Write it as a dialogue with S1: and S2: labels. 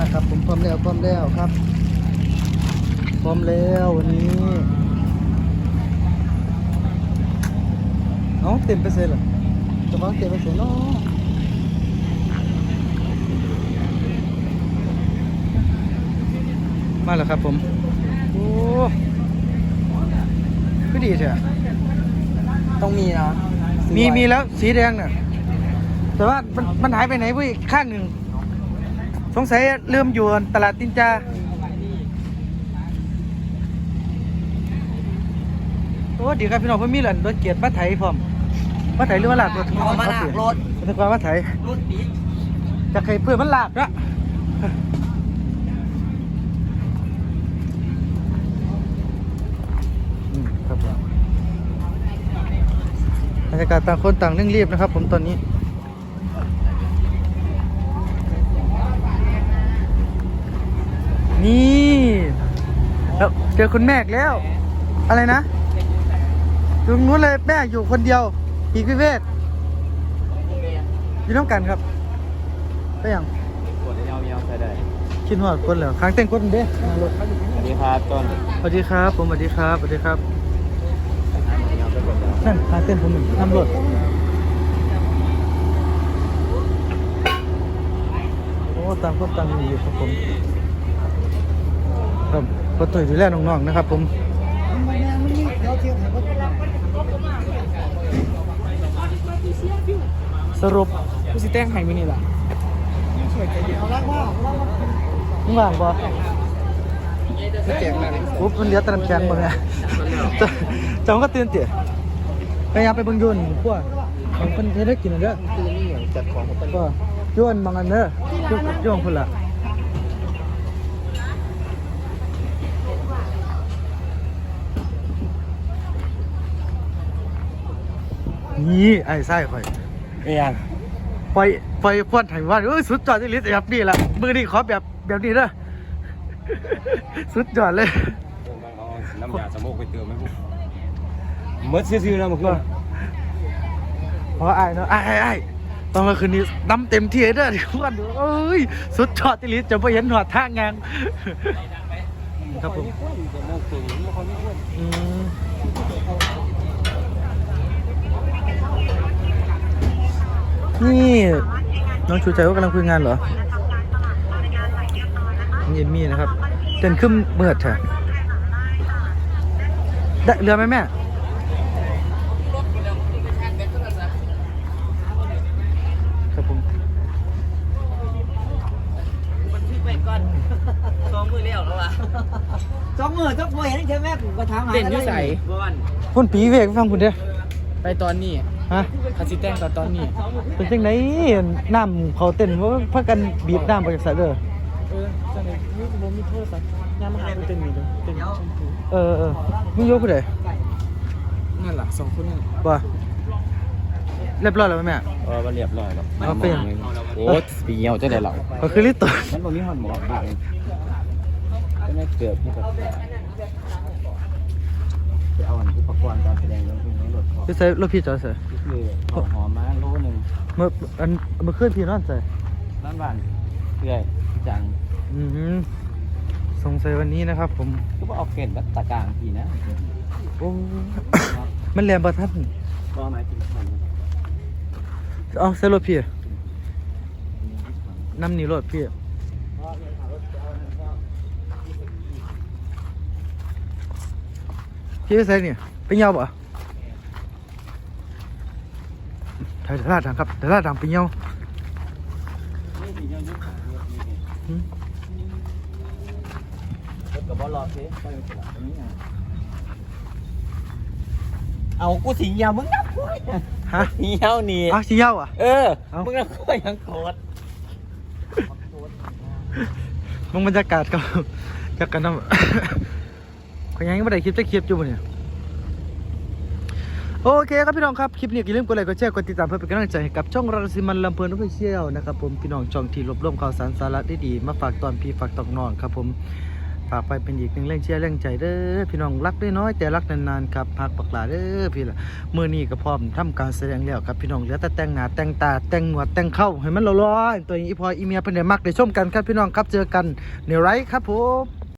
S1: ครับผมพร้อมแล้วครับพร้อมแล้ววันนี้เอ้าเต็มไปเสร็จเหรอจะวางเต็มไปเสร็จเนาะมาแล้วครับผมโอ้ก็ดีใช่
S2: ต้องมีนะ
S1: มีแล้วสีแดงเนี่ยแต่ว่ามันหายไปไหนเว้ยข้างหนึ่งสงสัยเริ่มอยู่ตลาดตินจาโอ้ดีครับพี่น้องเพิ่นมีหลันรถเกียรติมาไถพร้อมมาไถหรือว่าลากรถ
S2: เอามาลากรถ
S1: นึกว่ามาไถ
S2: รถปี๊ด
S1: จะเคยเพื่อนมันลากละครับผมบรรยากาศต่างคนต่างเร่งรีบนะครับผมตอนนี้นี่แล้วเจอคุณแม่แล้ว อะไรนะตรงนู้นเลยแม่อยู่คนเดียวปีกวิเวกอยู่น้ำกันครับไปยัง
S2: กดยาวๆใช้ได้
S1: คิดหอดคนเหรอค้างเต้นคนเด้รถ
S2: สวัสดีครับต้น
S1: สวัสดีครับผมสวัสดีครับสวัสดีครับนั่นค้างเต้นผมนำรถโอ้ต่างคนต่างอยู่ครับผมครับก็ต่อยดูแลน้องๆนะครับผมสรุป
S2: ผู้สิแต้งไห้มือนี่ล่ะ
S1: มึงว่างบ่
S2: ผู้แจกอะไร
S1: ปุ๊บมันเหลือแต่น้ำแข็งหมดเลยจังก็ตื่นเตี๋ยพยายามไปเบิ่งยุ่นพวกบางคนเทได้กินอันเด้อ
S2: คือนี่อย่างจัดของของต้น
S1: ก็ยุ่นบางอันเด้อยุ่นคนละนี่ไอ้ไส้ข่อย
S2: ไม่ยัง
S1: ปล่อยพวดไห้ว่าสุดยอดที่ลิสต์แบบนี้แหละมือนี้ขอแบบนี้เด้อสุดยอดเลย
S2: น้ำยาสมุกไปเติมไหมพวกมืดซื่อๆนะมึงก็
S1: เพราะไอ้เนาะไอ้ตอนเมื่อคืนนี้น้ำเต็มที่เด้อทุกคนเอ้ยสุดยอดที่ลิสต์จะไปเห็นหอดท่างานครับผมนี่น้องชูใจว่ากำลังคุยงานเหรอนี่เอมมี่นะครับเต้นขึ้นเมื่อเถอะได้เรือไหมแม่ครับผม
S2: มันทึกไปก่อน2 มือเลี้ยวแล้ววะ2 มือต้องพอเห็นใช่ไหมกูก็ถามหาเต้นอยู่ใส่บอล
S1: พุ่นปีเวกฟังคุณเด้อ
S2: ไปตอนนี้
S1: ฮะ
S2: คาสิแต้งตอนนี้
S1: เป็นจังไหนน้ำเขาเต้นว่าพักกันบีบน้ำไปจากสายเด้อ
S2: จังเลยนี่ผมมีโทรศัพท์ยามมาหาเต้นมีเลยเต้นชมพู
S1: มึงยกกูเลย
S2: นั่นแหละ2 คนนั่น
S1: ว่าเรียบร้อยแล้วไหมแม่
S2: มันเรียบร้อยแล้ว
S1: เอาไปยัง
S2: โอ้ปีเหี่ยวจะได้หรอ
S1: ก็คือลิตร
S2: มันบ่มีหอนหมอกบ้างก็ไม่เกือบที่แบบไปเอาอุปกรณ์การแสดงเรื่องพวกนี้รถขอ
S1: พี่ใส่รถพี่จอดใส่
S2: คือหอมมาโลนึง
S1: เมื่อคืนพี่นอนใส่
S2: ร้านบ้านเพื่อยจัง
S1: สงสัยวันนี้นะครับผม
S2: ก็ว่าเอาเกล็ดแบบตะกางทีนะ
S1: โอ้ มันแรงประทัด
S2: ก็หมายถึงมัน
S1: เอาใส่รถพี่น้ำหนีรถพี่พี่ใส่เนี่ยไปเงาบ่ถ่ายตลาดดังครับตลาดดังไปเงา
S2: กับบอลรอสิเอากูสิเหี่ยวมึงนับกู
S1: ฮะ
S2: เหี่ยวนี่
S1: อ้าวชี้เงาอ่ะ
S2: มึงนับกูยังโกรธ
S1: มึงบรรยากาศครับจากกันน้ำขยังไม่ได้คลิปจะคลิปอยู่เนี่ยโอเคครับพี่น้องครับคลิปนี้อย่าลืมกดไลค์กดแชร์กดติดตามเพื่อเป็นกำลังใจให้กับช่องรังสิมันลำเพลินออฟฟิเชียลนะครับผมพี่น้องช่องที่รวบรวมข่าวสารสาระได้ดีมาฝากตอนพี่ฝากตอนน้องครับผมฝากไปเป็นอีกหนึ่งแรงเชียร์แรงใจเด้อพี่น้องรักน้อยๆแต่รักนานๆครับพักปักหลาเด้อพี่ล่ะมื้อนี้ก็พร้อมทำการแสดงแล้วครับพี่น้องเหลือแต่แต่งหน้าแต่งตาแต่งหนวดแต่งเข้าให้มันหล่อๆตัวนี้อีพออีเมียเพิ่นได้มักได้ชมกันครับพี่น้องครับเจอกันในไรครับผม